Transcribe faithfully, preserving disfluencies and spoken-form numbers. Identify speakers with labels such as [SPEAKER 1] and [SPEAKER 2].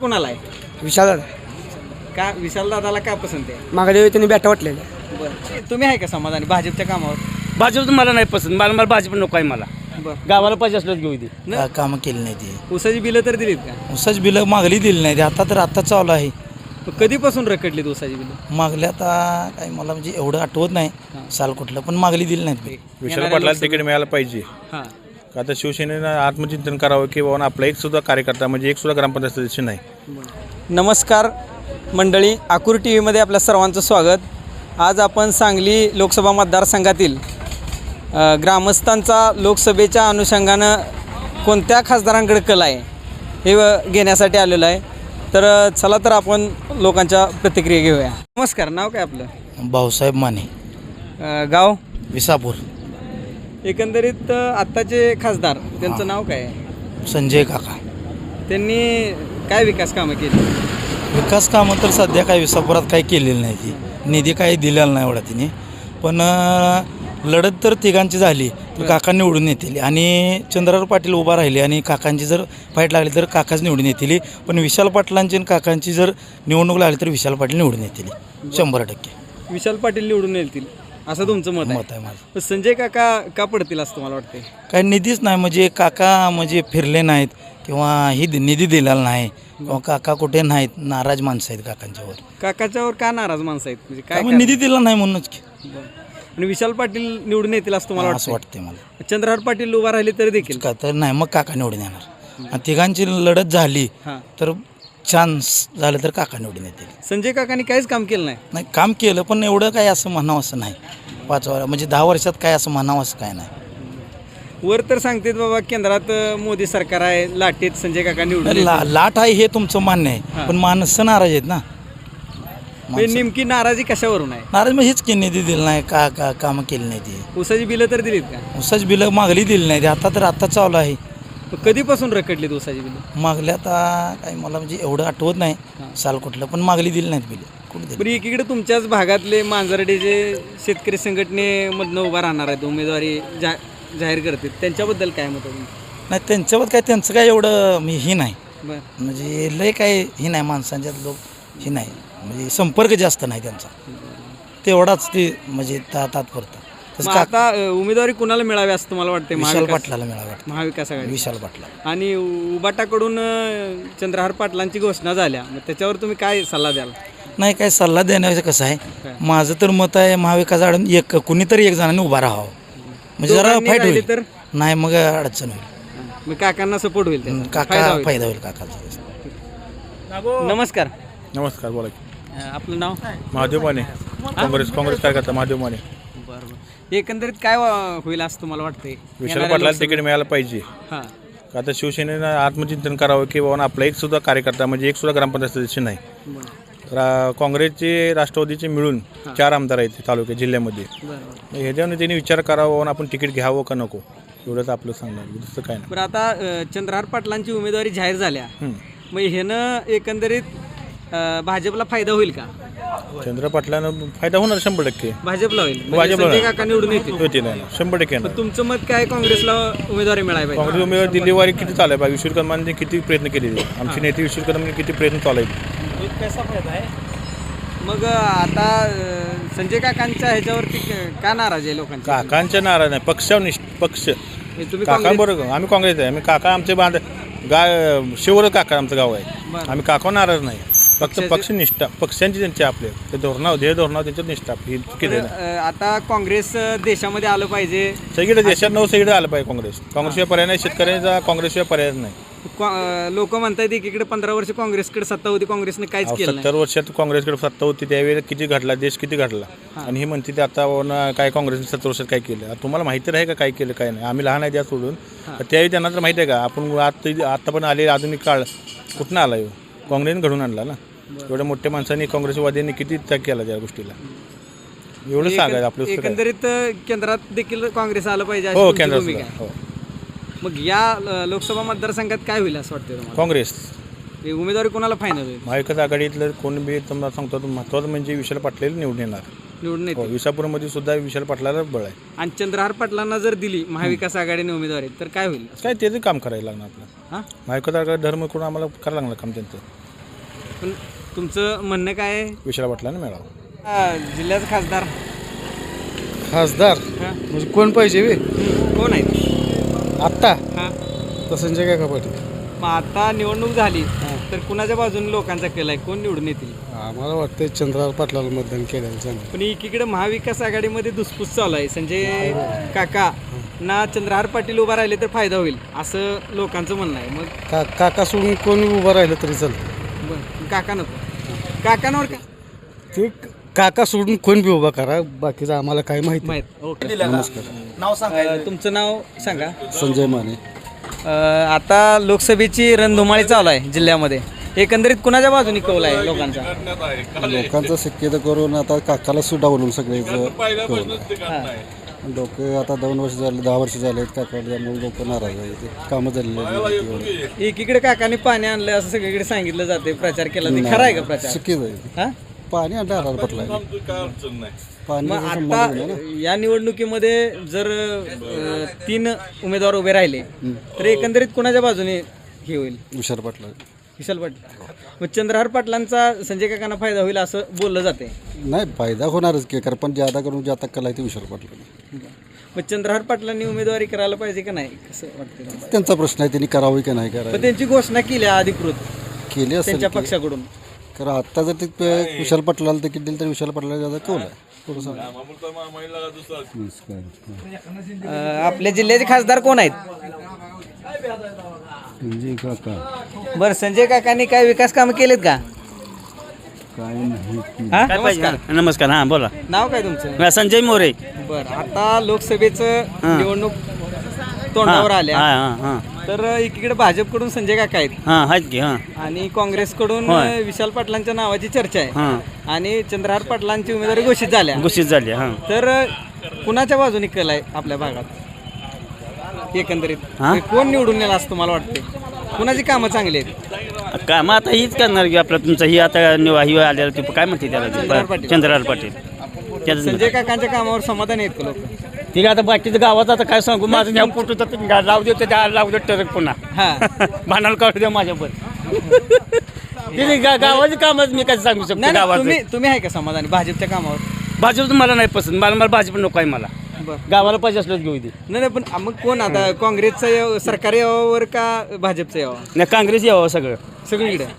[SPEAKER 1] कोणाला आहे?
[SPEAKER 2] विशाल
[SPEAKER 1] का विशाल दादाला का पसंत आहे?
[SPEAKER 2] मागल्या त्यांनी बॅटा वाटलेल्या.
[SPEAKER 1] बरं, तुम्ही आहे का समाधानी भाजपच्या कामावर?
[SPEAKER 3] भाजप मला नाही पसंत, मला मला भाजप नको आहे. मला
[SPEAKER 1] बरं,
[SPEAKER 3] गावाला पाहिजे असलं घेऊ दे.
[SPEAKER 1] न-
[SPEAKER 4] कामं केली नाही ती.
[SPEAKER 1] ऊसाची बिलं तर दिलीत का?
[SPEAKER 4] उसाच बिलं मागली दिली नाही ती. आता तर आता चालू आहे.
[SPEAKER 1] मग कधीपासून रखडलीत ऊसाची बिलं?
[SPEAKER 4] मागल्या आता काही मला म्हणजे एवढं आठवत नाही साल कुठलं, पण मागली दिली नाहीत बिल.
[SPEAKER 5] विशाल पाटलाला तिकीट मिळायला पाहिजे.
[SPEAKER 1] हां,
[SPEAKER 5] का आता शिवसेनेनं आत्मचिंतन करावं की बाबा आपला एक सुद्धा कार्यकर्ता म्हणजे एक सुद्धा ग्रामपंचायत सदस्य नाही.
[SPEAKER 1] नमस्कार मंडळी, आकुर टी व्हीमध्ये आपल्या सर्वांचं स्वागत. आज आपण सांगली लोकसभा मतदारसंघातील अ, ग्रामस्थांचा लोकसभेच्या अनुषंगानं कोणत्या खासदारांकडे कल आहे हे व- घेण्यासाठी आलेलो आहे. तर अ, चला तर आपण लोकांच्या प्रतिक्रिया घेऊया. नमस्कार, नाव काय आपलं?
[SPEAKER 4] भाऊसाहेब माने,
[SPEAKER 1] अ, गाव?
[SPEAKER 4] विसापूर.
[SPEAKER 1] एकंदरीत अ, आत्ताचे खासदार त्यांचं नाव काय आहे?
[SPEAKER 4] संजय काका.
[SPEAKER 1] त्यांनी काय विकास कामं केली?
[SPEAKER 4] विकास कामं तर सध्या काही विसापुरात काही केलेली नाही ती. निधी काही दिलेला नाही एवढा तिने, पण अं, लढत तर तिघांची झाली तर काका निवडून येतील. आणि चंद्रराव पाटील उभा राहिले आणि काकांची जर फाईट लागली तर काकाच निवडून येतील. पण विशाल पाटलांची आणि काकांची जर निवडणूक लागली तर विशाल पाटील निवडून येतील शंभर टक्के.
[SPEAKER 1] विशाल पाटील निवडून येतील असं तुमचं मत आहे?
[SPEAKER 4] मत आहे माझं.
[SPEAKER 1] पण संजय काका का पडतील असं तुम्हाला वाटते?
[SPEAKER 4] काही निधीच नाही, म्हणजे काका म्हणजे फिरले नाहीत किंवा ही दि- निधी दिलेला नाही किंवा काका कुठे नाहीत, नाराज माणसं आहेत काकांच्यावर.
[SPEAKER 1] काकाच्यावर का नाराज माणसं आहेत म्हणजे काय
[SPEAKER 4] त्यामुळे निधी दिला नाही म्हणूनच की.
[SPEAKER 1] कारण? आणि विशाल पाटील निवडून येतील असं तुम्हाला
[SPEAKER 4] असं
[SPEAKER 1] वाटतं?
[SPEAKER 4] वाटतंय मला.
[SPEAKER 1] चंद्रहार पाटील उभा राहिले तरी देखील?
[SPEAKER 4] का तर नाही, मग काका निवडून येणार. आणि तिघांची लढत झाली
[SPEAKER 1] हां,
[SPEAKER 4] तर चान्स झालं तर काका निवडून येतील.
[SPEAKER 1] संजय काकांनी काहीच काम केलं नाही.
[SPEAKER 4] नाही, काम केलं पण एवढं काय असं म्हणावं असं नाही. पाच वर म्हणजे दहा वर्षात काय असं म्हणावं असं काय नाही.
[SPEAKER 1] वर तर सांगतेत बाबा केंद्रात अं, मोदी सरकार आहे, लाटेत संजय काका निवडून
[SPEAKER 4] ला
[SPEAKER 1] येतील.
[SPEAKER 4] लाट आहे हे तुमचं मान्य आहे,
[SPEAKER 1] हां.
[SPEAKER 4] पण माणसं नाराज आहेत ना.
[SPEAKER 1] म्हणजे नेमकी नाराजी कशावरून आहे?
[SPEAKER 4] नाराज मग हेच की निधी दिलं नाही, का का कामं केली नाही ती.
[SPEAKER 1] ऊसाची बिलं तर दिलीत का?
[SPEAKER 4] उसाच बिलं मागली दिली नाही ती. आता तर आता चालू आहे.
[SPEAKER 1] मग कधीपासून रखडलीत ऊसाची बिलं?
[SPEAKER 4] मागल्या आता काही मला म्हणजे एवढं आठवत नाही साल कुठलं, पण मागली दिली नाहीत बिलं. कुठे दिली?
[SPEAKER 1] बरं, एकीकडे तुमच्याच भागातले मांजरडेचे शेतकरी संघटनेमधनं उभा राहणार आहेत, उमेदवारी जा जाहीर करतील, त्यांच्याबद्दल काय मत आहे तुमचं?
[SPEAKER 4] नाही, त्यांच्यावर काय त्यांचं काय एवढं मी ही नाही,
[SPEAKER 1] बरं,
[SPEAKER 4] म्हणजे लय काय ही नाही माणसांच्यात लोक ही नाही, म्हणजे संपर्क जास्त नाही त्यांचा तेवढाच ते म्हणजे ता तात्पुरता. तसं
[SPEAKER 1] मग
[SPEAKER 4] का
[SPEAKER 1] आता अ, उमेदवारी कुणाला मिळावी असं तुम्हाला वाटते?
[SPEAKER 4] विशाल
[SPEAKER 1] महाविकास
[SPEAKER 4] पाटलाला मिळावं वाटतं.
[SPEAKER 1] महाविकास आघाडी
[SPEAKER 4] विशाल पाटला.
[SPEAKER 1] आणि उबाटाकडून अ, चंद्रहार पाटलांची घोषणा झाल्या, मग त्याच्यावर तुम्ही काय सल्ला द्याल?
[SPEAKER 4] नाही, काय सल्ला देण्याचं कसं
[SPEAKER 1] काय?
[SPEAKER 4] आहे, माझं तर मत आहे महाविकास आघाडी एक कुणीतरी एक जणांनी उभा राहावं, म्हणजे जरा
[SPEAKER 1] दोघांनी
[SPEAKER 4] फाईट
[SPEAKER 1] राहिले
[SPEAKER 4] होईल.
[SPEAKER 1] तर
[SPEAKER 4] नाही मग अडचण होईल.
[SPEAKER 1] मग काकांना सपोर्ट होईल त्याचा? फायदा
[SPEAKER 4] काका
[SPEAKER 1] होईल.
[SPEAKER 4] फायदा होईल काकाचा.
[SPEAKER 1] नमस्कार,
[SPEAKER 5] नमस्कार, बोला की.
[SPEAKER 1] अ, आपलं नाव?
[SPEAKER 5] महादेव माने, काँग्रेस काँग्रेस कार्यकर्ता महादेव माने.
[SPEAKER 1] बरोबर, एकंदरीत काय वा- होईल असं तुम्हाला वाटतंय?
[SPEAKER 5] विशाल पाटलाला तिकीट मिळायला पाहिजे.
[SPEAKER 1] हां,
[SPEAKER 5] का आता शिवसेनेनं आत्मचिंतन करावं की बाबा आपला एक सुद्धा कार्यकर्ता म्हणजे एक सुद्धा ग्रामपंचायत सदस्य नाही. रा काँग्रेसचे राष्ट्रवादीचे मिळून चार आमदार आहेत तालुक्यात जिल्ह्यामध्ये.
[SPEAKER 1] बरोबर.
[SPEAKER 5] ह्याच्यावर त्यांनी विचार करावा आणि आपण तिकीट घ्यावं का नको, एवढंच आपलं सांगणार, दुसरं काय नाही.
[SPEAKER 1] बरं, आता अ, चंद्रहार पाटलांची उमेदवारी जाहीर झाल्या,
[SPEAKER 5] हं.
[SPEAKER 1] मग ह्यानं एकंदरीत अ, भाजपला फायदा होईल का?
[SPEAKER 5] चंद्र पाटलानं फायदा होणार शंभर टक्के.
[SPEAKER 1] भाजपला होईल म्हणजे
[SPEAKER 5] भाजपला
[SPEAKER 1] संजय
[SPEAKER 5] होणार.
[SPEAKER 1] काका निवडून येतील.
[SPEAKER 5] होती नाही शंभर टक्के येणार.
[SPEAKER 1] पण तुमचं मत काय? काँग्रेसला उमेदवारी मिळाली पाहिजे.
[SPEAKER 5] काँग्रेस उमेदवार दिल्लीवारी किती चालू आहे? विश्वजित कदमांनी किती प्रयत्न केले, आमचे नेते विश्वजित कदमांनी किती प्रयत्न चालू आहेत.
[SPEAKER 1] कसा फायदा आहे? मग अ, आता अ, संजय काकांच्या ह्याच्यावरती क- का नाराज आहे लोकांची?
[SPEAKER 5] काकांच्या नाराज नाही, पक्षावर निष्ठ पक्ष.
[SPEAKER 1] हे तुम्ही काँग्रेस-
[SPEAKER 5] काकांबरोबर आम्ही काँग्रेस आहे, आम्ही काका आमचे बांध गाय शिवर काका आमचं गाव आहे.
[SPEAKER 1] बरं.
[SPEAKER 5] आम्ही काका नाराज नाही, फक्त
[SPEAKER 1] पक्षाचे-
[SPEAKER 5] पक्षनिष्ठा पक्षांची त्यांची आपले ते धोरणावर ध्येय धोरणावर त्यांच्यात निष्ठा आपली केली नाही.
[SPEAKER 1] अ, आता काँग्रेस अ, देशामध्ये आलं पाहिजे.
[SPEAKER 5] सगळीकडे देशात नऊ सगळीकडे आलं पाहिजे काँग्रेस. काँग्रेसशिवाय पर्याय नाही, शेतकऱ्यांचा काँग्रेसशिवाय पर्याय नाही.
[SPEAKER 1] लोक म्हणतात एकीकडे पंधरा वर्ष काँग्रेसकडे सत्ता होती, काँग्रेसने काहीच
[SPEAKER 5] अहो,
[SPEAKER 1] केलं नाही.
[SPEAKER 5] सत्तर वर्षात काँग्रेसकडे सत्ता होती त्यावेळेला किती घडला, देश किती घडला. आणि ही म्हणते ते आता न काय काँग्रेसने सत्तर वर्षात काय केलं. आता तुम्हाला माहिती आहे का काय केलं काय नाही? आम्ही लहान आहे त्या सोडून, तर त्यावेळी त्यांना तर माहिती आहे का आपण आता आता पण आले आधुनिक काळ कुठनं आला येऊ? काँग्रेसने घडून आणला ना. एवढ्या मोठ्या माणसांनी काँग्रेसवाद्यांनी किती त्याग केला त्या गोष्टीला, एवढं सांगायचं आपलं.
[SPEAKER 1] एकंदरीत अ, केंद्रात देखील काँग्रेस आलं पाहिजे अशी
[SPEAKER 5] हो,
[SPEAKER 1] तुमची
[SPEAKER 5] केंद्रात
[SPEAKER 1] भूमिका आहे.
[SPEAKER 5] हो,
[SPEAKER 1] मग या अ, लोकसभा मतदारसंघात काय होईल असं वाटतं तुम्हाला?
[SPEAKER 5] काँग्रेस
[SPEAKER 1] हे उमेदवारी कोणाला फायनल होईल?
[SPEAKER 5] महाविकास आघाडीतलं कोण बी तुम्हाला सांगतो, महत्त्वाचं म्हणजे विशाल पाटलाला निवडून येणार.
[SPEAKER 1] निवडून
[SPEAKER 5] हो,
[SPEAKER 1] येते.
[SPEAKER 5] विसापूरमध्ये सुद्धा विशाल पाटलाला बळ आहे.
[SPEAKER 1] आणि चंद्रहार पाटलांना जर दिली महाविकास आघाडीने उमेदवारी तर काय होईल?
[SPEAKER 5] काय त्याचं काम करायला लागणार आपलं.
[SPEAKER 1] हां,
[SPEAKER 5] महाविकास आघाडी धर्म करून आम्हाला करायला लागणार काम त्यांचं.
[SPEAKER 1] पण तुमचं म्हणणं काय आहे?
[SPEAKER 5] विशाल पाटलांना मिळावं.
[SPEAKER 1] अ, जिल्ह्याचा खासदार
[SPEAKER 2] खासदार
[SPEAKER 1] हां
[SPEAKER 2] म्हणजे कोण पाहिजे वे
[SPEAKER 1] कोण आहेत?
[SPEAKER 2] आत्ता
[SPEAKER 1] हां
[SPEAKER 2] तर संजय काका पाटील.
[SPEAKER 1] मग आता निवडणूक झाली तर कुणाच्या बाजूने लोकांचा केला आहे, कोण निवडून येतील?
[SPEAKER 2] आम्हाला वाटतं चंद्रराव पाटलाला मतदान केलेलं चांगलं.
[SPEAKER 1] पण एकीकडे महाविकास आघाडीमध्ये दुसपूस चालू आहे. संजय काका ना चंद्रहार पाटील उभा राहिले तर फायदा होईल असं लोकांचं म्हणणं आहे. मग
[SPEAKER 2] का काका सोडून कोण उभं राहिलं तरी चालतं.
[SPEAKER 1] बरं काका नको काकांवर का
[SPEAKER 2] ते काका सोडून कोण बी उभा करा, बाकीचं आम्हाला काय माहिती.
[SPEAKER 1] माहीत ओके.
[SPEAKER 2] नमस्कार.
[SPEAKER 1] अ, तुमचं नाव सांगा.
[SPEAKER 2] संजय माने.
[SPEAKER 1] अ, आता लोकसभेची रणधुमाळी चालू आहे जिल्ह्यामध्ये. एकंदरीत कुणाच्या बाजूने कौल आहे लोकांचा?
[SPEAKER 6] लोकांचा शक्यता करून आता काकाला सुद्धा बोलून सगळ्याचं
[SPEAKER 1] हां
[SPEAKER 6] लोक आता दोन वर्ष झाले दहा वर्ष झाले आहेत काका, त्यामुळे लोक नाराज आहेत. कामं झालेली आहेत.
[SPEAKER 1] एकीकडे काकाने पाणी आणलं असं सगळीकडे सांगितलं जाते, प्रचार केला ते खरं आहे का प्रचार?
[SPEAKER 6] चुकीच आहे.
[SPEAKER 1] हा
[SPEAKER 6] पाणी आणलं हरार पटला पाणी
[SPEAKER 1] मग आता या निवडणुकीमध्ये जर अ, तीन उमेदवार उभे राहिले तर एकंदरीत कुणाच्या बाजूने हे होईल?
[SPEAKER 6] विशाल पाटला
[SPEAKER 1] विशाल पाटील. मग चंद्रहार पाटलांचा संजय काकांना फायदा होईल असं बोललं जाते.
[SPEAKER 6] नाही फायदा होणारच की, कारण पण ज्यादा करून ज्यादा कला आहे ते विशाल पाटला.
[SPEAKER 1] मग चंद्रहार पाटलांनी उमेदवारी करायला पाहिजे का नाही कसं वाटतं तुम्हाला?
[SPEAKER 6] त्यांचा प्रश्न आहे, त्यांनी करावी की नाही
[SPEAKER 1] पण
[SPEAKER 6] करावी.
[SPEAKER 1] त्यांची घोषणा केली आहे अधिकृत
[SPEAKER 6] केली असेल
[SPEAKER 1] त्यांच्या
[SPEAKER 6] की.
[SPEAKER 1] पक्षाकडून.
[SPEAKER 6] कारण आत्ता जर ते प- विशाल पाटलाला तिकीट दिलं तर विशाल पाटला ज्यादा कौल आहे. थोडं सांगा.
[SPEAKER 1] अ, आपल्या जिल्ह्याचे खासदार कोण आहेत? बरं संजय काकांनी काय विकास कामं केलेत का? हा?
[SPEAKER 3] काय पाहिजे?
[SPEAKER 1] नमस्कार.
[SPEAKER 3] नमस्कार हां बोला.
[SPEAKER 1] नाव काय तुमचं?
[SPEAKER 3] मी संजय मोरे.
[SPEAKER 1] बरं आता लोकसभेचं
[SPEAKER 3] हां.
[SPEAKER 1] निवडणूक तोंडावर आल्या
[SPEAKER 3] हां हां हां
[SPEAKER 1] तर एकीकडे भाजपकडून संजय काका आहेत
[SPEAKER 3] हां आहेत की हां
[SPEAKER 1] आणि काँग्रेसकडून
[SPEAKER 3] होय.
[SPEAKER 1] विशाल पाटलांच्या नावाची चर्चा आहे
[SPEAKER 3] हां
[SPEAKER 1] आणि चंद्रहार पाटलांची उमेदवारी घोषित झाल्या.
[SPEAKER 3] घोषित झाली हां.
[SPEAKER 1] तर कुणाच्या बाजूने कल आहे आपल्या भागात एकंदरीत?
[SPEAKER 3] हां?
[SPEAKER 1] कोण निवडून येईल असं तुम्हाला वाटते? कुणाची कामं चांगली आहेत?
[SPEAKER 3] काय मग आता हीच करणार की आपलं तुमचं ही आता निवा ही आलेलं ते काय म्हणते
[SPEAKER 1] चंद्रहार
[SPEAKER 3] त्याला
[SPEAKER 1] पाटील.
[SPEAKER 3] चंद्रहार पाटील त्याचं
[SPEAKER 1] संजय काकांच्या कामावर समाधान आहेत का लोक?
[SPEAKER 3] ठीक आहे. आता बाकीचं गावात आता काय सांगू माझं ह्या फोटो तर लावू देतो त्या लावू देत टरक पुन्हा
[SPEAKER 1] हा
[SPEAKER 3] भांडायला काढू द्या माझ्यावर. तिथे गा- गावाची कामच मी काय सांगू शकतो
[SPEAKER 1] नाही नाही,
[SPEAKER 3] गावात
[SPEAKER 1] तुम्ही तुम्ही आहे का समाधानी भाजपच्या कामावर?
[SPEAKER 3] भाजप मला नाही पसंत मला मला भाजप नको आहे मला
[SPEAKER 1] बरं
[SPEAKER 3] गावाला पाहिजे असलं घेऊ दे.
[SPEAKER 1] नाही नाही, पण मग कोण आता काँग्रेसचं यावं, सरकारी यावावर का भाजपचं यावं?
[SPEAKER 3] नाही काँग्रेस यावं सगळं
[SPEAKER 1] सगळीकडे